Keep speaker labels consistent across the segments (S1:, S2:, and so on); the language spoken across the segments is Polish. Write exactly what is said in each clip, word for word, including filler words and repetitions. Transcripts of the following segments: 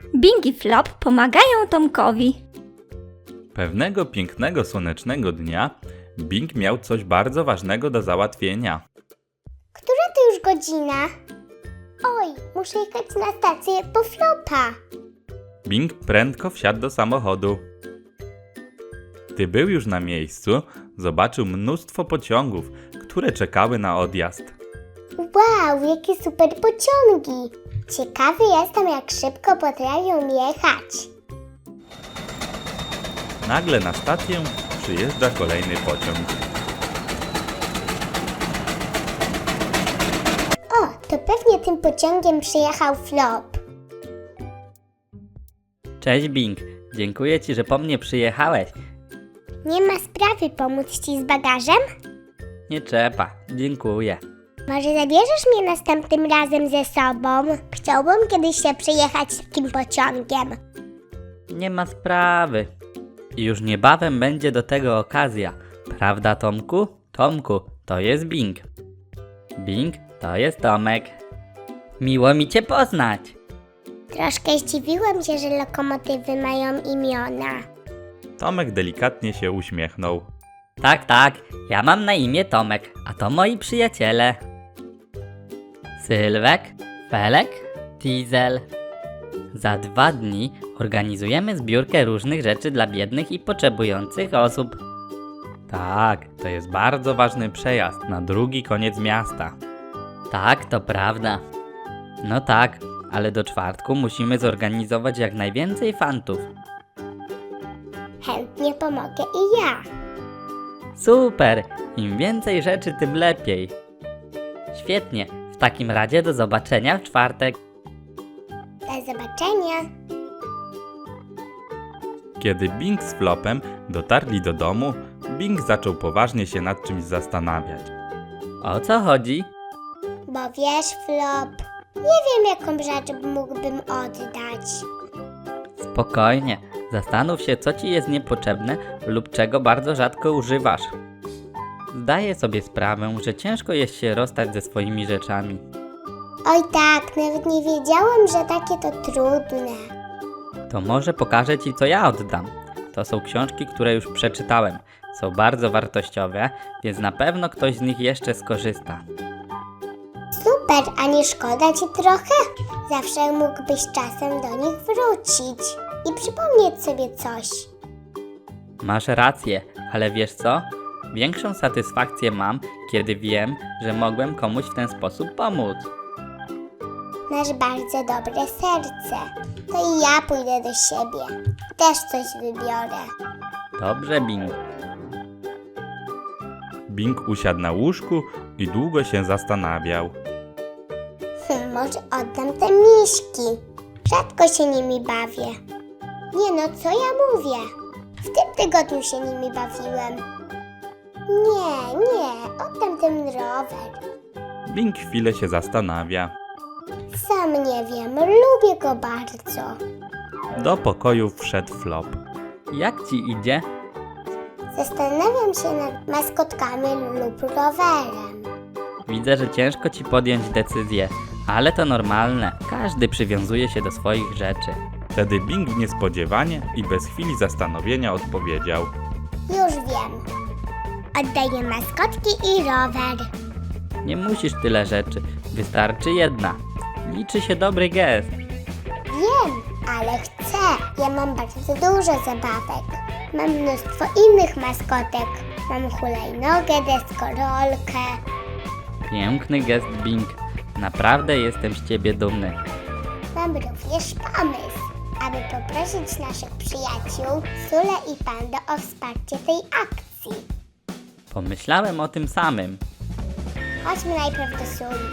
S1: Bing i Flop pomagają Tomkowi.
S2: Pewnego pięknego, słonecznego dnia Bing miał coś bardzo ważnego do załatwienia.
S3: Która to już godzina? Oj, muszę jechać na stację po Flopa.
S2: Bing prędko wsiadł do samochodu. Gdy był już na miejscu, zobaczył mnóstwo pociągów, które czekały na odjazd.
S3: Wow, jakie super pociągi! Ciekawy jestem, jak szybko potrafią jechać.
S2: Nagle na stację przyjeżdża kolejny pociąg.
S3: O, to pewnie tym pociągiem przyjechał Flop.
S4: Cześć Bing, dziękuję Ci, że po mnie przyjechałeś.
S3: Nie ma sprawy, pomóc Ci z bagażem?
S4: Nie trzeba, dziękuję.
S3: Może zabierzesz mnie następnym razem ze sobą? Chciałbym kiedyś się przyjechać takim pociągiem.
S4: Nie ma sprawy. I już niebawem będzie do tego okazja. Prawda, Tomku? Tomku, to jest Bing. Bing, to jest Tomek. Miło mi Cię poznać.
S3: Troszkę zdziwiłem się, że lokomotywy mają imiona.
S2: Tomek delikatnie się uśmiechnął.
S4: Tak, tak, ja mam na imię Tomek, a to moi przyjaciele. Sylwek, Felek, Diesel. Za dwa dni organizujemy zbiórkę różnych rzeczy dla biednych i potrzebujących osób.
S2: Tak, to jest bardzo ważny przejazd na drugi koniec miasta.
S4: Tak, to prawda. No tak, ale do czwartku musimy zorganizować jak najwięcej fantów.
S3: Chętnie pomogę i ja.
S4: Super! Im więcej rzeczy, tym lepiej. Świetnie, w takim razie do zobaczenia w czwartek.
S3: Do zobaczenia.
S2: Kiedy Bing z Flopem dotarli do domu, Bing zaczął poważnie się nad czymś zastanawiać.
S4: O co chodzi?
S3: Bo wiesz, Flop, nie wiem, jaką rzecz mógłbym oddać.
S4: Spokojnie, zastanów się, co ci jest niepotrzebne lub czego bardzo rzadko używasz. Zdaję sobie sprawę, że ciężko jest się rozstać ze swoimi rzeczami.
S3: Oj tak, nawet nie wiedziałem, że takie to trudne.
S4: To może pokażę ci, co ja oddam. To są książki, które już przeczytałem. Są bardzo wartościowe, więc na pewno ktoś z nich jeszcze skorzysta.
S3: Super, a nie szkoda ci trochę? Zawsze mógłbyś czasem do nich wrócić i przypomnieć sobie coś.
S4: Masz rację, ale wiesz co? Większą satysfakcję mam, kiedy wiem, że mogłem komuś w ten sposób pomóc.
S3: Masz bardzo dobre serce. To i ja pójdę do siebie. Też coś wybiorę.
S4: Dobrze, Bing.
S2: Bing usiadł na łóżku i długo się zastanawiał.
S3: Hm, może oddam te miśki. Rzadko się nimi bawię. Nie no, co ja mówię? W tym tygodniu się nimi bawiłem. Nie, nie, oddam ten rower.
S2: Bing chwilę się zastanawia.
S3: Sam nie wiem, lubię go bardzo.
S2: Do pokoju wszedł Flop.
S4: Jak ci idzie?
S3: Zastanawiam się nad maskotkami lub rowerem.
S4: Widzę, że ciężko ci podjąć decyzję, ale to normalne. Każdy przywiązuje się do swoich rzeczy.
S2: Wtedy Bing niespodziewanie i bez chwili zastanowienia odpowiedział.
S3: Już wiem. Oddaję maskotki i rower.
S4: Nie musisz tyle rzeczy, wystarczy jedna. Liczy się dobry gest.
S3: Wiem, ale chcę. Ja mam bardzo dużo zabawek. Mam mnóstwo innych maskotek. Mam hulajnogę, deskorolkę.
S4: Piękny gest, Bing. Naprawdę jestem z ciebie dumny.
S3: Mam również pomysł, aby poprosić naszych przyjaciół Sule i Pando o wsparcie tej akcji.
S4: Pomyślałem o tym samym.
S3: Chodźmy najpierw do Suli.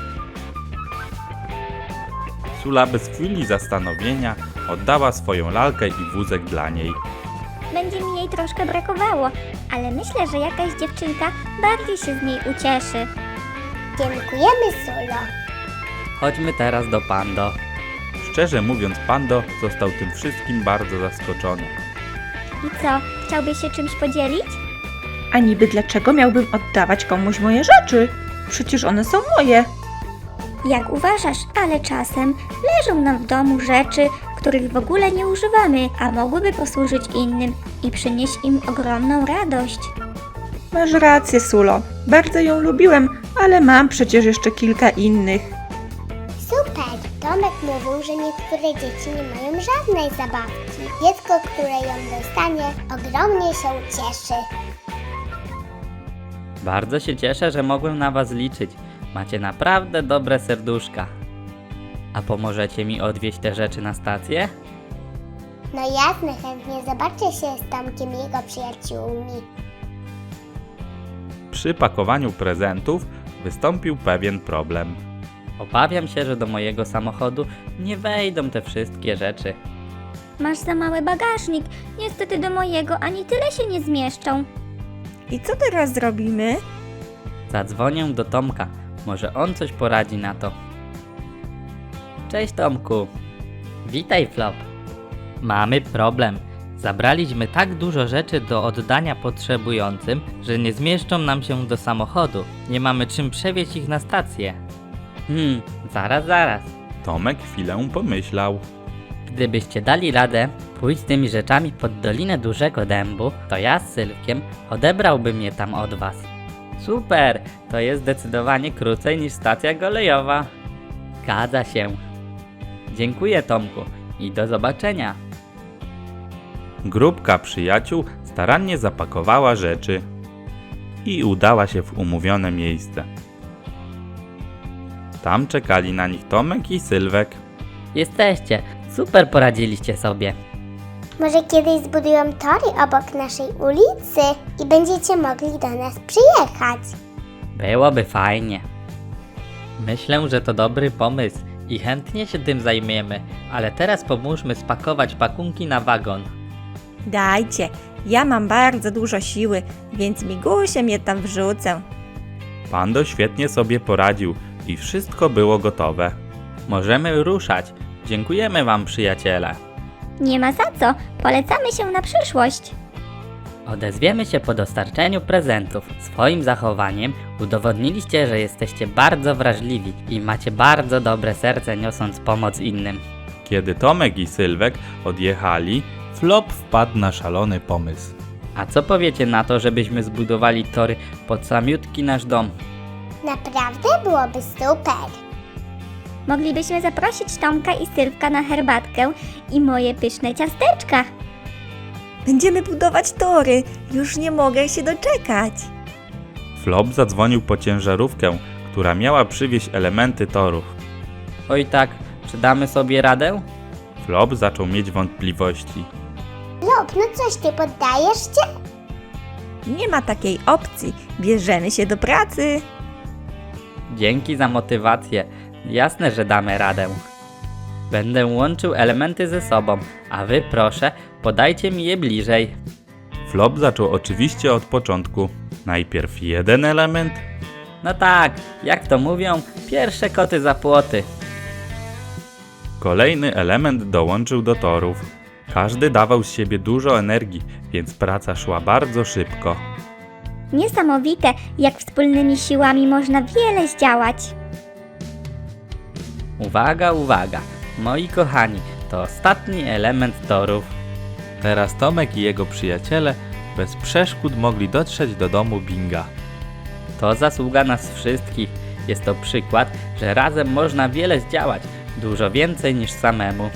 S2: Sula bez chwili zastanowienia oddała swoją lalkę i wózek dla niej.
S1: Będzie mi jej troszkę brakowało, ale myślę, że jakaś dziewczynka bardziej się z niej ucieszy.
S3: Dziękujemy, Sulo.
S4: Chodźmy teraz do Pando.
S2: Szczerze mówiąc, Pando został tym wszystkim bardzo zaskoczony.
S1: I co, chciałbyś się czymś podzielić?
S5: A niby dlaczego miałbym oddawać komuś moje rzeczy? Przecież one są moje.
S1: Jak uważasz, ale czasem leżą nam w domu rzeczy, których w ogóle nie używamy, a mogłyby posłużyć innym i przynieść im ogromną radość.
S5: Masz rację, Sulo. Bardzo ją lubiłem, ale mam przecież jeszcze kilka innych.
S3: Super! Tomek mówił, że niektóre dzieci nie mają żadnej zabawki. Dziecko, które ją dostanie, ogromnie się cieszy.
S4: Bardzo się cieszę, że mogłem na was liczyć. Macie naprawdę dobre serduszka. A pomożecie mi odwieźć te rzeczy na stację?
S3: No jasne, chętnie zobaczę się z Tomkiem i jego przyjaciółmi.
S2: Przy pakowaniu prezentów wystąpił pewien problem.
S4: Obawiam się, że do mojego samochodu nie wejdą te wszystkie rzeczy.
S1: Masz za mały bagażnik, niestety do mojego ani tyle się nie zmieszczą.
S5: I co teraz zrobimy?
S4: Zadzwonię do Tomka. Może on coś poradzi na to. Cześć Tomku. Witaj Flop. Mamy problem. Zabraliśmy tak dużo rzeczy do oddania potrzebującym, że nie zmieszczą nam się do samochodu. Nie mamy czym przewieźć ich na stację. Hmm, zaraz, zaraz.
S2: Tomek chwilę pomyślał.
S4: Gdybyście dali radę pójść z tymi rzeczami pod Dolinę Dużego Dębu, to ja z Sylwkiem odebrałbym je tam od was. Super! To jest zdecydowanie krócej niż stacja kolejowa. Zgadza się. Dziękuję Tomku i do zobaczenia.
S2: Grupka przyjaciół starannie zapakowała rzeczy i udała się w umówione miejsce. Tam czekali na nich Tomek i Sylwek.
S4: Jesteście. Super poradziliście sobie.
S3: Może kiedyś zbudują tory obok naszej ulicy i będziecie mogli do nas przyjechać.
S4: Byłoby fajnie. Myślę, że to dobry pomysł i chętnie się tym zajmiemy, ale teraz pomóżmy spakować pakunki na wagon.
S6: Dajcie, ja mam bardzo dużo siły, więc migusiem je tam wrzucę.
S2: Pando świetnie sobie poradził i wszystko było gotowe.
S4: Możemy ruszać. Dziękujemy wam, przyjaciele.
S1: Nie ma za co, polecamy się na przyszłość.
S4: Odezwiemy się po dostarczeniu prezentów. Swoim zachowaniem udowodniliście, że jesteście bardzo wrażliwi i macie bardzo dobre serce, niosąc pomoc innym.
S2: Kiedy Tomek i Sylwek odjechali, Flop wpadł na szalony pomysł.
S4: A co powiecie na to, żebyśmy zbudowali tory pod samiutki nasz dom?
S3: Naprawdę byłoby super.
S1: Moglibyśmy zaprosić Tomka i Sylwka na herbatkę i moje pyszne ciasteczka.
S6: Będziemy budować tory, już nie mogę się doczekać.
S2: Flop zadzwonił po ciężarówkę, która miała przywieźć elementy torów.
S4: Oj tak, czy damy sobie radę?
S2: Flop zaczął mieć wątpliwości.
S3: Lub, no coś ty poddajesz się?
S6: Nie ma takiej opcji, bierzemy się do pracy.
S4: Dzięki za motywację. Jasne, że damy radę. Będę łączył elementy ze sobą, a wy proszę, podajcie mi je bliżej.
S2: Flop zaczął oczywiście od początku. Najpierw jeden element,
S4: No tak, jak to mówią, pierwsze koty za płoty.
S2: kolejny element dołączył do torów. Każdy dawał z siebie dużo energii, więc praca szła bardzo szybko.
S1: Niesamowite, jak wspólnymi siłami można wiele zdziałać.
S4: Uwaga, uwaga, moi kochani, to ostatni element torów.
S2: Teraz Tomek i jego przyjaciele bez przeszkód mogli dotrzeć do domu Binga.
S4: To zasługa nas wszystkich. Jest to przykład, że razem można wiele zdziałać, dużo więcej niż samemu.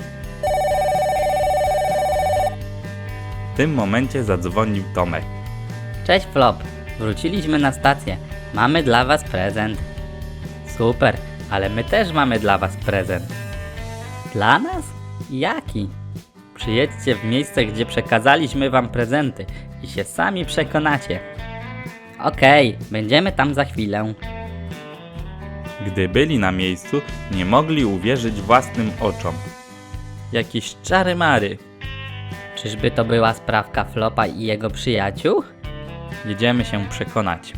S2: W tym momencie zadzwonił Tomek.
S4: Cześć Flop, wróciliśmy na stację. Mamy dla was prezent. Super, ale my też mamy dla was prezent. Dla nas? Jaki? Przyjedźcie w miejsce, gdzie przekazaliśmy wam prezenty i się sami przekonacie. Okej, będziemy tam za chwilę.
S2: Gdy byli na miejscu, nie mogli uwierzyć własnym oczom.
S4: Jakieś czary mary. Czyżby to była sprawka Flopa i jego przyjaciół?
S2: Jedziemy się przekonać.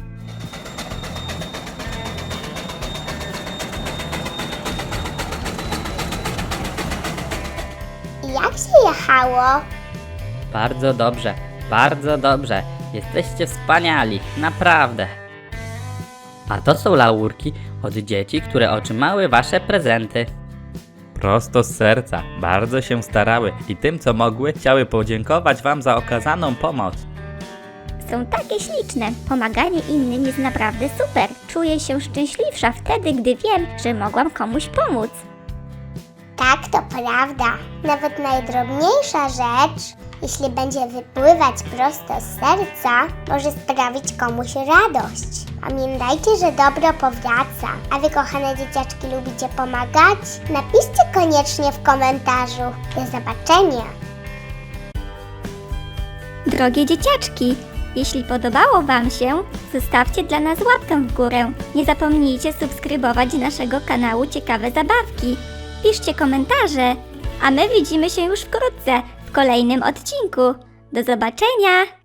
S3: I jak się jechało?
S4: Bardzo dobrze, bardzo dobrze. Jesteście wspaniali, naprawdę. A to są laurki od dzieci, które otrzymały wasze prezenty. Prosto z serca, bardzo się starały i tym co mogły chciały podziękować Wam za okazaną pomoc.
S1: Są takie śliczne. Pomaganie innym jest naprawdę super. Czuję się szczęśliwsza wtedy, gdy wiem, że mogłam komuś pomóc.
S3: Tak, to prawda. Nawet najdrobniejsza rzecz, jeśli będzie wypływać prosto z serca, może sprawić komuś radość. Pamiętajcie, że dobro powraca. A wy, kochane dzieciaczki, lubicie pomagać? Napiszcie koniecznie w komentarzu. Do zobaczenia!
S1: Drogie dzieciaczki, jeśli podobało Wam się, zostawcie dla nas łapkę w górę. Nie zapomnijcie subskrybować naszego kanału Ciekawe Zabawki. Piszcie komentarze, a my widzimy się już wkrótce w kolejnym odcinku. Do zobaczenia!